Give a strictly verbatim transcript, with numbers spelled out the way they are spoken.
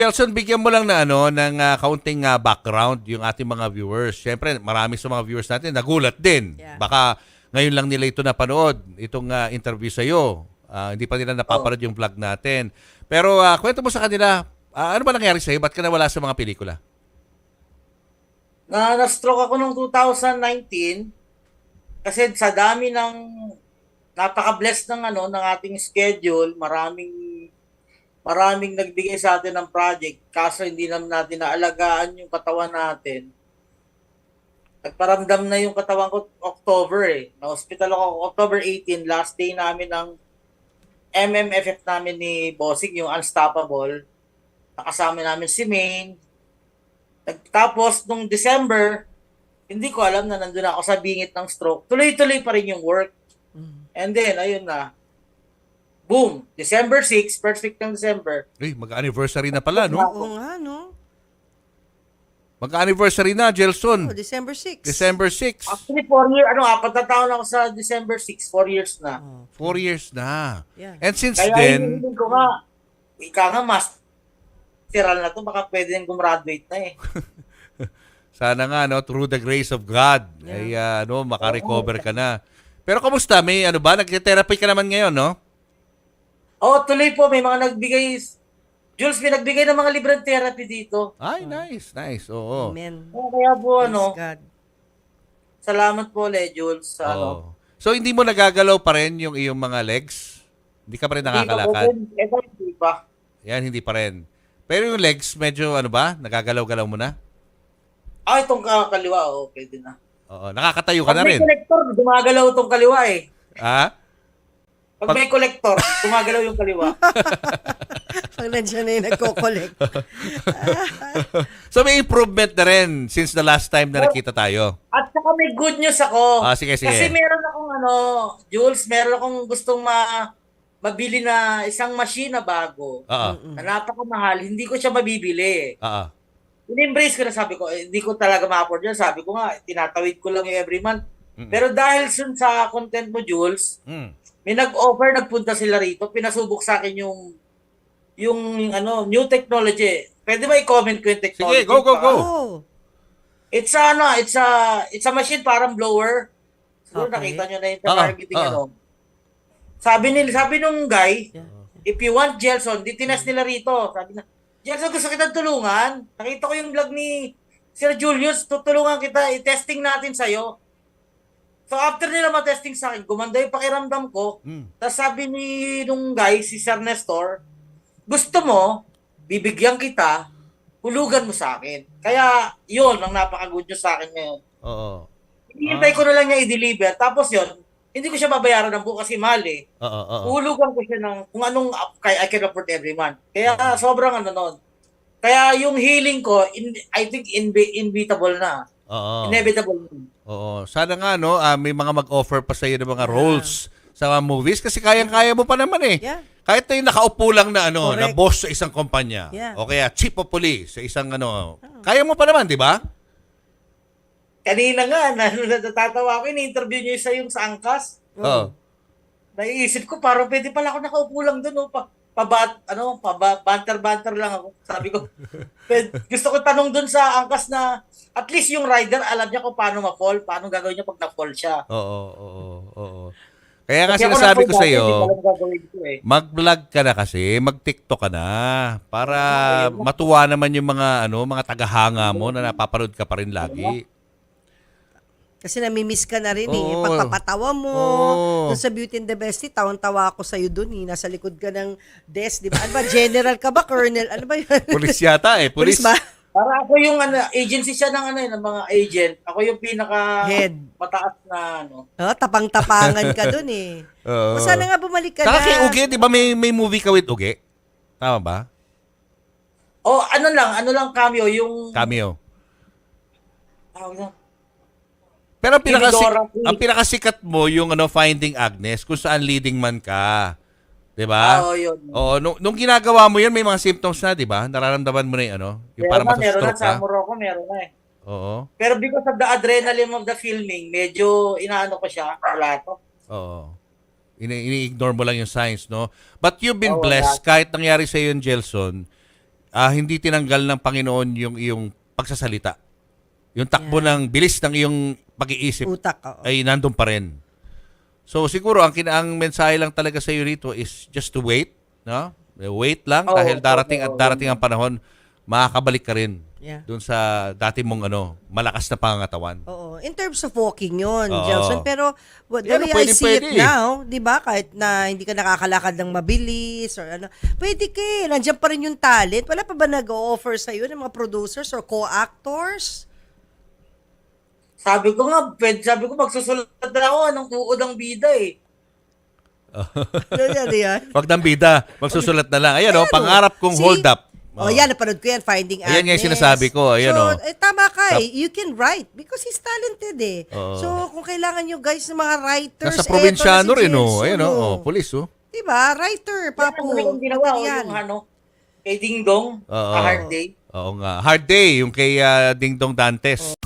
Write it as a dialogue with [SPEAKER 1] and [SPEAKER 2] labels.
[SPEAKER 1] Nelson, bigyan mo lang na ano ng ah, kaunting ah, background yung ating mga viewers. Siyempre, marami sa mga viewers natin nagulat din.
[SPEAKER 2] Yeah.
[SPEAKER 1] Baka ngayon lang nila ito napanood, itong ah, interview sa iyo. Hindi pa nila napapanood
[SPEAKER 2] Oh.
[SPEAKER 1] yung vlog natin. Pero ah, kwento mo sa kanila, ah, ano ba nangyari sa iyo? Ba't ka nawala sa mga pelikula?
[SPEAKER 3] Na na-stroke ako noong two thousand nineteen kasi sa dami ng napaka-blessed ng ano ng ating schedule, maraming maraming nagbigay sa atin ng project kaso hindi naman natin naalagaan yung katawan natin. Nagparamdam na yung katawan ko October eh. Na-hospital ako October eighteen, last day namin ng M M F F namin ni Bossing, yung Unstoppable. Nakasama namin si Maine. Tapos, nung December, hindi ko alam na nandun ako sa bingit ng stroke. Tuloy-tuloy pa rin yung work. And then, ayun na. Boom! December sixth, first week ng December.
[SPEAKER 1] Eh, mag-anniversary na pala, no?
[SPEAKER 2] Oo nga, no?
[SPEAKER 1] Mag-anniversary na, Jelson.
[SPEAKER 2] Oh, December sixth.
[SPEAKER 1] December sixth.
[SPEAKER 3] Actually, four years, ano, apat na taon ako sa December sixth, four years na.
[SPEAKER 2] Oh.
[SPEAKER 1] Four years na.
[SPEAKER 2] Yeah.
[SPEAKER 1] And since
[SPEAKER 3] Kaya
[SPEAKER 1] then,
[SPEAKER 3] hindi ko nga, ika nga, masteral na to, baka pwede nang gumraduate na eh.
[SPEAKER 1] sana nga, no, through the grace of God, ay ah, ano, makarecover ka na. Pero kamusta? May ano ba? Nag-therapy ka naman ngayon, no?
[SPEAKER 3] Oh, tuloy po, may mga nagbigay, Jules, may nagbigay ng mga libreng therapy dito.
[SPEAKER 1] Ay, nice, nice. Oo.
[SPEAKER 2] Amen.
[SPEAKER 3] Oh, kaya po,
[SPEAKER 2] Praise
[SPEAKER 3] ano,
[SPEAKER 2] God.
[SPEAKER 3] salamat po, Le, Jules, sa ano.
[SPEAKER 1] Oo. So, hindi mo nagagalaw pa rin yung iyong mga legs? Hindi ka pa rin nakakalakad?
[SPEAKER 3] Hindi pa po, eh, hindi pa.
[SPEAKER 1] Yan, hindi pa rin. Pero yung legs, medyo ano ba? Nagagalaw-galaw mo na?
[SPEAKER 3] Ah, itong ka- kaliwa, oh, pwede na.
[SPEAKER 1] Oo. Nakakatayo ka
[SPEAKER 3] Pag
[SPEAKER 1] na
[SPEAKER 3] may
[SPEAKER 1] rin.
[SPEAKER 3] collector, gumagalaw itong kaliwa eh.
[SPEAKER 1] Ha?
[SPEAKER 3] Pag may collector, gumagalaw yung kaliwa.
[SPEAKER 2] Pag nandiyan na yung nagko-collect.
[SPEAKER 1] So, may improvement na rin since the last time na nakita tayo.
[SPEAKER 3] At saka may good news ako.
[SPEAKER 1] Ah, sige, sige.
[SPEAKER 3] Kasi meron akong ano, Jules, meron akong gustong ma mabili na isang machine na bago.
[SPEAKER 1] Oo.
[SPEAKER 3] Na napakamahal, hindi ko siya mabibili.
[SPEAKER 1] Oo.
[SPEAKER 3] In-embrace ko na, sabi ko, eh, hindi ko talaga ma-afford yan. Sabi ko nga, tinatawid ko lang yung every month.
[SPEAKER 1] Mm-mm.
[SPEAKER 3] Pero dahil sun sa content mo, Jules,
[SPEAKER 1] Mm.
[SPEAKER 3] may nag-offer, nagpunta sila rito, pinasubok sa akin yung yung ano, new technology. Pwede ba i-comment ko yung technology?
[SPEAKER 1] Sige, go, go, go.
[SPEAKER 2] Oh.
[SPEAKER 3] It's a, ano, it's a, it's a machine parang blower. Siguro
[SPEAKER 2] Okay.
[SPEAKER 3] nakita nyo na yung
[SPEAKER 1] Oo,
[SPEAKER 3] targeting
[SPEAKER 1] oo.
[SPEAKER 3] ano. Sabi nila, sabi nung guy,
[SPEAKER 2] Yeah.
[SPEAKER 3] if you want Gelson, di tinas nila rito. Sabi na, Gelson, gusto kitang tulungan. Nakita ko yung vlog ni Sir Julius, tutulungan kita, i-testing natin sa'yo. So after nila ma-testing sa akin, gumanda yung pakiramdam ko.
[SPEAKER 1] Mm.
[SPEAKER 3] Tapos sabi ni nung guy, si Sir Nestor, gusto mo, bibigyan kita, hulugan mo sa akin. Kaya yun, ang napaka-good news sa akin ngayon.
[SPEAKER 1] Oo.
[SPEAKER 3] Hinihintay ko na lang niya i-deliver. Tapos yun, hindi ko siya babayaran ng buo kasi mahal eh.
[SPEAKER 1] Oo, oo.
[SPEAKER 3] Uhulugan ko siya ng kung anong kay I can afford every month. Kaya sobrang ano nun. Kaya yung healing ko, in, I think inbe- inevitable na.
[SPEAKER 1] Oo.
[SPEAKER 3] Inevitable na.
[SPEAKER 1] Oo. Sana nga, no, ah, may mga mag-offer pa sa'yo ng mga roles sa mga movies kasi kayang-kaya mo pa naman eh.
[SPEAKER 2] Yeah.
[SPEAKER 1] Kahit na yung nakaupo lang na ano, na
[SPEAKER 2] Correct.
[SPEAKER 1] boss sa isang kumpanya.
[SPEAKER 2] Yeah.
[SPEAKER 1] O kaya chief of police sa isang ano. Kaya mo pa naman, di ba?
[SPEAKER 3] Kanina nga, na, natatawa ako, in-interview niyo isa yung sa Angkas.
[SPEAKER 1] Oo.
[SPEAKER 3] Naiisip ko, parang pwede pala ako nakaupo lang doon. Oh, pa, pabat, ano, paba, banter-banter lang ako. Sabi ko, pwede, gusto ko tanong doon sa Angkas na at least yung rider, alam niya kung paano ma-fall, paano gagawin niya pag na-fall siya.
[SPEAKER 1] Oo, oo, oo. Kaya nga
[SPEAKER 3] Kasi ako
[SPEAKER 1] sinasabi ko
[SPEAKER 3] na-fall
[SPEAKER 1] sa
[SPEAKER 3] dati,
[SPEAKER 1] iyo,
[SPEAKER 3] hindi ko alam gagawin ko eh.
[SPEAKER 1] mag-vlog ka na kasi, mag-TikTok ka na para matuwa naman yung mga ano, mga tagahanga mo na napapanood ka pa rin lagi.
[SPEAKER 2] Kasi namimiss ka na rin eh.
[SPEAKER 1] Oo.
[SPEAKER 2] Pagpapatawa mo.
[SPEAKER 1] Oo.
[SPEAKER 2] Doon sa Beauty and the Bestie, tawang-tawa ako sa'yo doon eh. Nasa likod ka ng desk, di ba? Ano ba? General ka ba? Colonel? Ano ba yun?
[SPEAKER 1] Pulis yata eh, pulis.
[SPEAKER 2] Pulis ba?
[SPEAKER 3] Para ako yung ano, agency siya ng ano, eh, ng mga agent. Ako yung pinaka
[SPEAKER 2] Head.
[SPEAKER 3] mataas na ano.
[SPEAKER 2] Oh, tapang-tapangan ka doon eh.
[SPEAKER 1] Oo.
[SPEAKER 2] O sana nga bumalik ka
[SPEAKER 1] Saka
[SPEAKER 2] na.
[SPEAKER 1] kay Uge, di ba may, may movie ka with Uge? Tama ba?
[SPEAKER 3] O ano lang, ano lang cameo, yung
[SPEAKER 1] Cameo.
[SPEAKER 3] tawag na,
[SPEAKER 1] Pero ang, pinakasi,
[SPEAKER 3] Timidora.
[SPEAKER 1] ang pinakasikat mo yung ano, Finding Agnes, kung saan leading man ka. Di ba?
[SPEAKER 3] Oo, yun.
[SPEAKER 1] Oo, nung, nung ginagawa mo yun, may mga symptoms na, di ba? Nararamdaman mo na yung ano, yung
[SPEAKER 3] Meron
[SPEAKER 1] parang
[SPEAKER 3] na, meron na,
[SPEAKER 1] masastroke
[SPEAKER 3] sa
[SPEAKER 1] ka.
[SPEAKER 3] Morocco meron na eh.
[SPEAKER 1] Oo.
[SPEAKER 3] Pero because of the adrenaline of the filming, medyo inaano ko siya, wala to.
[SPEAKER 1] Oo. Ini- Ini-ignore mo lang yung signs, no? But you've been
[SPEAKER 3] Oo,
[SPEAKER 1] blessed, kahit nangyari sa yung Jelson, ah, hindi tinanggal ng Panginoon yung iyong pagsasalita. Yung takbo ng bilis ng iyong pag-iisip
[SPEAKER 2] Utak, oo.
[SPEAKER 1] ay nandun pa rin. So siguro ang kinaang mensahe lang talaga sa iyo rito is just to wait, no? Wait lang
[SPEAKER 3] Oo,
[SPEAKER 1] dahil darating
[SPEAKER 3] oo,
[SPEAKER 1] at darating ang panahon, makakabalik ka rin
[SPEAKER 2] Yeah.
[SPEAKER 1] doon sa dati mong ano, malakas na pangangatawan.
[SPEAKER 2] Oo. In terms of walking yun,
[SPEAKER 1] Oo.
[SPEAKER 2] Gelson. Pero what, the
[SPEAKER 1] Pero
[SPEAKER 2] way I
[SPEAKER 1] pwede-
[SPEAKER 2] see
[SPEAKER 1] pwede
[SPEAKER 2] it
[SPEAKER 1] eh.
[SPEAKER 2] now, di ba, kahit na hindi ka nakakalakad ng mabilis or ano, pwede ka eh. Nandiyan pa rin yung talent. Wala pa ba nag-o-offer sa'yo ng mga producers or co-actors?
[SPEAKER 3] Sabi ko nga, pwede, sabi ko magsusulat na ako ng tuod ng bida eh.
[SPEAKER 2] Ano yan, yan?
[SPEAKER 1] Wag nang bida, magsusulat na lang. Ayan,
[SPEAKER 2] Ayan,
[SPEAKER 1] oh, pangarap kong
[SPEAKER 2] see?
[SPEAKER 1] hold up.
[SPEAKER 2] Oh, yan, napanood ko yan, Finding Agnes.
[SPEAKER 1] Ayan nga yung sinasabi ko, ayan,
[SPEAKER 2] so,
[SPEAKER 1] oh.
[SPEAKER 2] eh, tama ka
[SPEAKER 1] Tap-
[SPEAKER 2] eh. You can write because he's talented eh.
[SPEAKER 1] Oo.
[SPEAKER 2] So, kung kailangan nyo guys ng mga writers,
[SPEAKER 1] Nasa
[SPEAKER 2] eto
[SPEAKER 1] probinsyano
[SPEAKER 2] na si
[SPEAKER 1] rin, oh.
[SPEAKER 2] Gelson,
[SPEAKER 1] Ayan, oh, oh, police, oh.
[SPEAKER 2] Diba? Writer, papo.
[SPEAKER 3] Ano yung ginawa ko,
[SPEAKER 2] Material.
[SPEAKER 3] yung ano, kay Ding Dong,
[SPEAKER 1] Oo.
[SPEAKER 3] A Hard Day.
[SPEAKER 1] Oo nga. Hard Day, yung kay ah, Ding Dong Dantes.